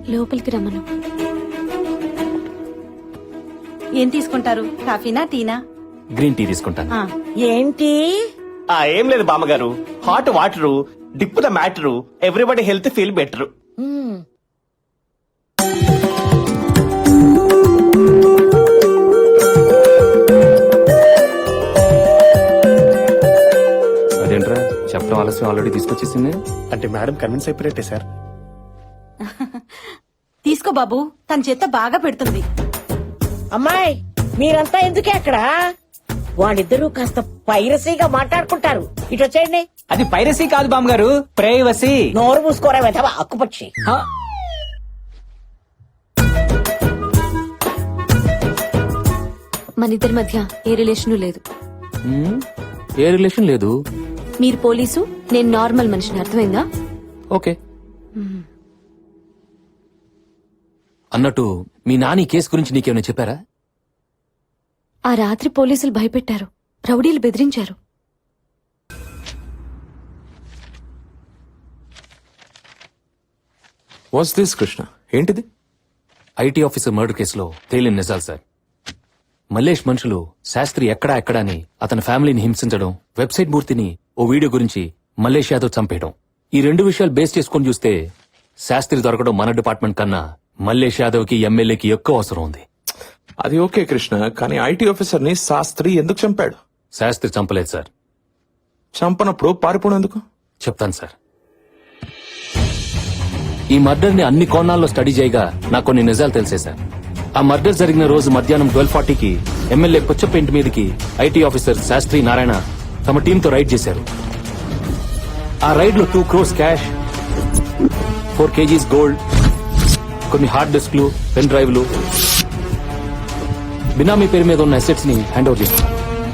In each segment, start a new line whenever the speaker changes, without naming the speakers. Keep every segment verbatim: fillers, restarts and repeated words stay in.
లోపలికి రమ్మను.
ఏం తీసుకుంటారు, కాఫీనా టీనా?
గ్రీన్ టీ తీసుకుంటాను.
ఆ,
ఏంటి?
ఆ ఏం లేదు బామ్మగారు, hot water dip the matter, everybody health feel better.
Hmm.
అదేంట్రా చెప్పడం ఆలస్యం ఆల్రెడీ తీసుకొచ్చేసింది.
అంటే మేడం కన్విన్స్ అయిపోయినట్టే సార్.
తీసుకో బాబు, తన చేత బాగా పెడుతుంది.
అమ్మాయి, మీరంతా ఎందుకే అక్కడ? వాళ్ళిద్దరూ కాస్త పైరసీగా మాట్లాడుకుంటారు. ఇటు వచ్చేయండి.
అది పైరసీ కాదు బామ్మగారు, ప్రేయవసీ.
నోరు మూసుకోరా వెధవా అక్కుపక్షి.
మన ఇద్దరి మధ్య ఏ రిలేషను లేదు.
హ్మ్? ఏ రిలేషన్ లేదు.
మీరు పోలీసు, నేను నార్మల్ మనిషిని, అర్థమైందా?
ఓకే. అన్నట్టు మీ నాని కేసు గురించి నీకేమైనా చెప్పారా?
ఆ రాత్రి పోలీసులు భయపెట్టారు, రౌడీలు బెదిరించారు.
What's this Krishna? ఏంటిది?
ఐటీ ఆఫీసర్ మర్డర్ కేసులో తేలిన నిజాలు సార్. మల్లేష్ మనుషులు శాస్త్రి ఎక్కడా ఎక్కడా అని అతని ఫ్యామిలీని హింసించడం, వెబ్సైట్ మూర్తిని ఓ వీడియో గురించి మల్లేష్ యాదవ్ చంపేయడం, ఈ రెండు విషయాలు బేస్ చేసుకుని చూస్తే శాస్త్రి దొరకడం మన డిపార్ట్మెంట్ కన్నా మల్లేష్ యాదవ్ కి ఎమ్మెల్యేకి ఎక్కువ అవసరం ఉంది.
అది ఓకే కృష్ణ, కానీ ఐటీ ఆఫీసర్ ని శాస్త్రి ఎందుకు చంపాడు?
శాస్త్రి చంపలేదు సార్.
చంపనప్పుడు పారిపోవడం ఎందుకు?
చెప్తాను సార్. ఈ మర్డర్ ని అన్ని కోణాల్లో స్టడీ చేయగా నాకు కొన్ని నిజాలు తెలిసే సార్. ఆ మర్డర్ జరిగిన రోజు మధ్యాహ్నం ట్వెల్వ్ ఫార్టీకి ఎమ్మెల్యే పుచ్చప్ప ఇంటి మీదకి ఐటీ ఆఫీసర్ శాస్త్రి నారాయణ తమ టీంతో రైడ్ చేశారు. ఆ రైడ్ లో two crores cash, four KGs gold, కొన్ని హార్డ్ డిస్క్లు, పెన్ డ్రైవ్లు, బినామీ పేరు మీద ఉన్న అసెట్స్ ని హ్యాండ్ ఓవర్ చేశారు.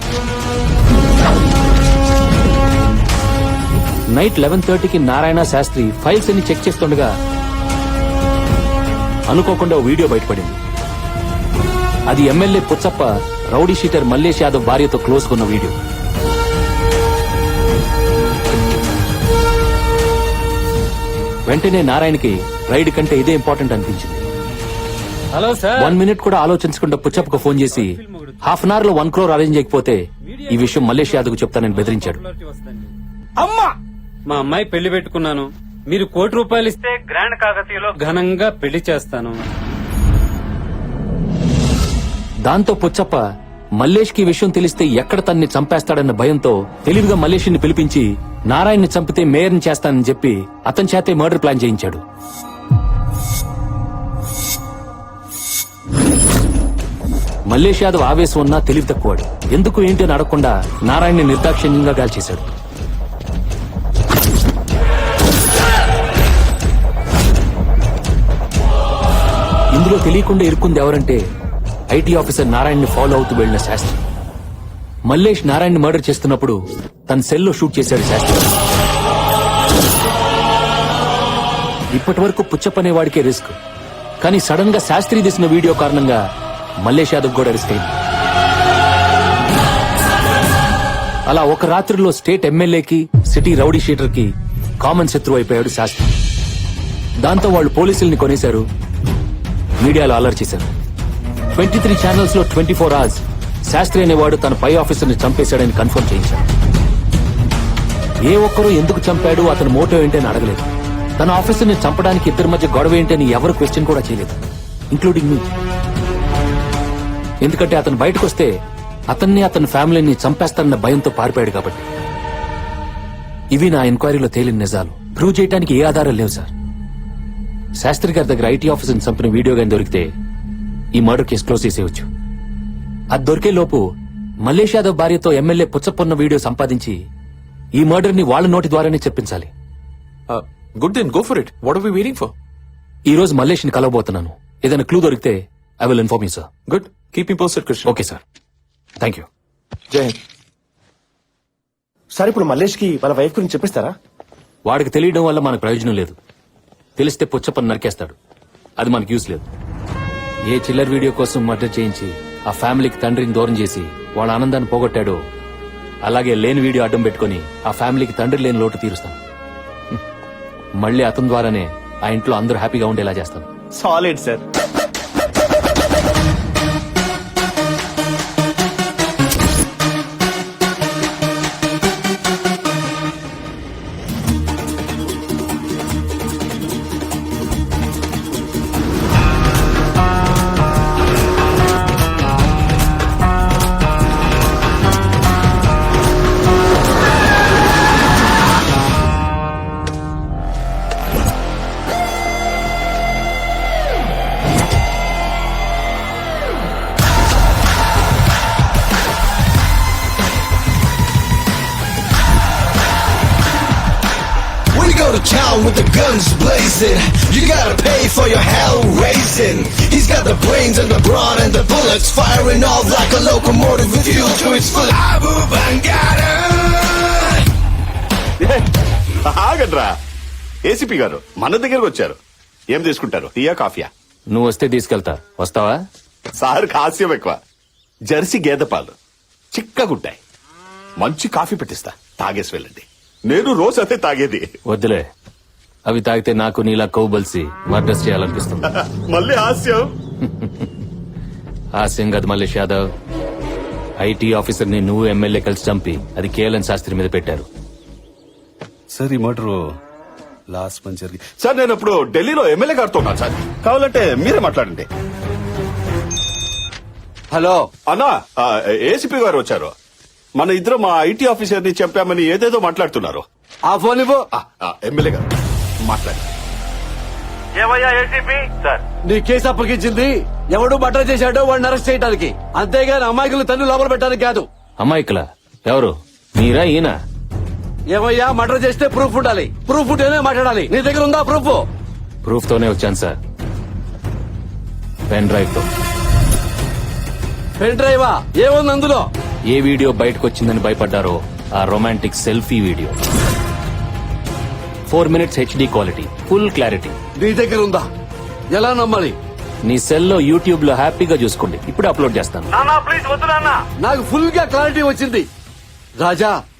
నైట్ లెవెన్ థర్టీకి నారాయణ శాస్త్రి ఫైల్స్ అన్ని చెక్ చేస్తుండగా అనుకోకుండా ఓ వీడియో బయటపడింది. అది MLA Puchchappa rowdy sheeter Mallesh Yadav భార్యతో క్లోజ్ కొన్న వీడియో. వెంటనే నారాయణకి రైడ్ కంటే ఇదే ఇంపార్టెంట్ అనిపించింది.
Hello sir.
వన్ మినిట్ కూడా ఆలోచించకుండా పుచ్చప్పకు ఫోన్ చేసి హాఫ్ అన్ అవర్ లో వన్ క్రోర్ అరేంజ్ చేయకపోతే ఈ విషయం మల్లేష్ యాదవ్ కు చెప్తానని బెదిరించాడు.
అమ్మా, మా అమ్మాయి పెళ్లి పెట్టుకున్నాను, మీరు కోటి రూపాయలు ఇస్తే గ్రాండ్ కాకతీయలో ఘనంగా పెళ్లి చేస్తాను.
దాంతో పుచ్చప్ప మల్లేష్ కి విషయం తెలిస్తే ఎక్కడ తన్ని చంపేస్తాడన్న భయంతో తెలివిగా మల్లేష్ ని పిలిపించి నారాయణ్ని చంపితే మేయర్ని చేస్తానని చెప్పి అతని చేతే మర్డర్ ప్లాన్ చేయించాడు. మల్లేష్ యాదవ్ ఆవేశం ఉన్నా తెలివి తక్కువాడు. ఎందుకు ఏంటి అని అడగకుండా నారాయణ్ని నిర్దాక్షిణ్యంగా గాల్చేశాడు. ఇందులో తెలియకుండా ఇరుక్కుంది ఎవరంటే ఐటీ ఆఫీసర్ నారాయణ్ని ఫాలో అవుతూ వెళ్లిన శాస్త్రి. మల్లేష్ నారాయణ్ని మర్డర్ చేస్తున్నప్పుడు తన సెల్లో షూట్ చేశాడు శాస్త్రి. ఇప్పటి వరకు పుచ్చప్పనే వాడికే రిస్క్, కానీ సడన్ గా శాస్త్రి తీసిన వీడియో కారణంగా మల్లేష్ యాదవ్ కూడా రిస్క్ అయింది. అలా ఒక రాత్రిలో స్టేట్ ఎమ్మెల్యేకి, సిటీ రౌడీ షీటర్ కి కామన్ శత్రువు అయిపోయాడు శాస్త్రి. దాంతో వాళ్ళు పోలీసుల్ని కొనేశారు, మీడియాలో అలర్ట్ చేశారు. ట్వంటీ త్రీ ఛానల్స్ లో ట్వంటీ ఫోర్ అవర్స్ శాస్త్రి అనేవాడు తన పై ఆఫీసర్ ని చంపేశాడని కన్ఫర్మ్ చేయించాడు. ఏ ఒక్కరూ ఎందుకు చంపాడు, అతని మోటో ఏంటని అడగలేదు. తన ఆఫీసర్ ని చంపడానికి ఇద్దరి మధ్య గొడవ ఏంటని ఎవరు క్వశ్చన్ కూడా చేయలేదు, ఇంక్లూడింగ్ మీ. ఎందుకంటే అతను బయటకు వస్తే అతన్ని, అతని ఫ్యామిలీని చంపేస్తానన్న భయంతో పారిపోయాడు కాబట్టి. ఇవి నా ఎంక్వైరీలో తేలిన నిజాలు. ప్రూవ్ చేయడానికి ఏ ఆధారాలు లేవు సార్. శాస్త్రి గారి దగ్గర ఐటీ ఆఫీసర్ చంపిన వీడియో గాని దొరికితే ఈ మర్డర్ కేసు క్లోజ్ చేసేయచ్చు. అది దొరికే లోపు మల్లేష్ యాదవ్ భార్యతో ఎమ్మెల్యే పుచ్చప్పన్న వీడియో సంపాదించి ఈ మర్డర్ ని వాళ్ళ నోటి ద్వారానే చెప్పించాలి.
Good then go for it. What are we waiting for?
ఈ రోజు మల్లేష్ ని కలవబోతున్నాను. ఏదైనా క్లూ దొరికితే I will inform you sir.
Good, keep me posted Krishna.
Okay sir, thank you.
Jai Hind.
Sir ఇప్పుడు మల్లేష్ కి వాళ్ళ వైఫ్ గురించి చెప్పిస్తారా?
వాడికి తెలియడం వల్ల మనకు ప్రయోజనం లేదు. తెలిస్తే పుచ్చప్పని నరికేస్తాడు, అది మనకు యూస్ లేదు. ఏ చిల్లర్ వీడియో కోసం మర్డర్ చేయించి ఆ ఫ్యామిలీకి తండ్రిని దూరం చేసి వాళ్ళ ఆనందాన్ని పోగొట్టాడో అలాగే లేని వీడియో అడ్డం పెట్టుకుని ఆ ఫ్యామిలీకి తండ్రి లేని లోటు తీరుస్తాను. మళ్లీ అతని ద్వారానే ఆ ఇంట్లో అందరూ హ్యాపీగా ఉండేలా చేస్తాను.
Solid sir.
We go to town with the guns blazing. You gotta pay for your hell raising. He's got the brains and the brawn and the bullets firing off like a locomotive with fuel to its full. Abu Bangada.
ఆగడ్రా, ACP గారు మన దగ్గరకు వచ్చారు. ఏం తీసుకుంటారు, టీయా కాఫీయా?
నువ్వు వస్తే తీసుకెళ్తా. వస్తావా?
సార్ హాస్యం ఎక్కువ. జెర్సీ గేదె పాలు చిక్కగుంటాయి. మంచి కాఫీ పెట్టిస్తా, తాగేసి వెళ్ళండి. నేను రోజు అదే తాగేది.
వద్దులే, అవి తాగితే నాకు నీలా కొవ్వు బలిసి మర్డర్స్ చేయాలనిపిస్తుంది.
మళ్ళీ హాస్యం.
హాస్యం కాదు మల్లేష్ యాదవ్. ఐటీ ఆఫీసర్ ని నువ్వు ఎమ్మెల్యే కలిసి చంపి అది కేఎల్ఎన్ శాస్త్రి మీద పెట్టారు.
సార్ ఈ మటర్ లాస్ట్ మంత్ జరిగి
సార్ నేను ఇప్పుడు ఢిల్లీలో ఎమ్మెల్యే గారితో ఉన్నాను సార్. కావాలంటే మీరే మాట్లాడండి.
హలో
అన్నా, ఏసీపీ గారు వచ్చారు. మన ఇద్దరు మా ఐటీ ఆఫీసర్ ని చంపామని ఏదేదో మాట్లాడుతున్నారు.
ఆ ఫోన్ ఇవ్వు.
ఆ, ఆ, ఎమ్మెల్యే గారు మాట్లాడండి.
నీ కేసు అప్పగించింది ఎవడు మటర్ చేశాడో వాడిని అరెస్ట్ చేయడానికి, అంతేగాని అమాయకులు తన్ను లోపల పెట్టడానికి కాదు.
అమ్మాయికల ఎవరు, మీరా ఈయన?
ఏమయ్యా, మటర్ చేస్తే ప్రూఫ్ ఉండాలి. ప్రూఫ్ ఉంటేనే మాట్లాడాలి. నీ దగ్గర ఉందా ప్రూఫ్?
ప్రూఫ్ తోనే వచ్చాను సార్, పెన్ డ్రైవ్ తో.
పెన్ డ్రైవా? ఏముంది అందులో?
ఏ వీడియో బయటకు వచ్చిందని భయపడ్డారో ఆ romantic selfie video. Four minutes HD quality, full clarity.
నీ దగ్గర ఉందా? ఎలా నమ్మాలి?
నీ సెల్ లో యూట్యూబ్ లో హ్యాపీగా చూసుకోండి. ఇప్పుడు అప్లోడ్ చేస్తాను.
నాకు ఫుల్ గా క్లారిటీ వచ్చింది. రాజా,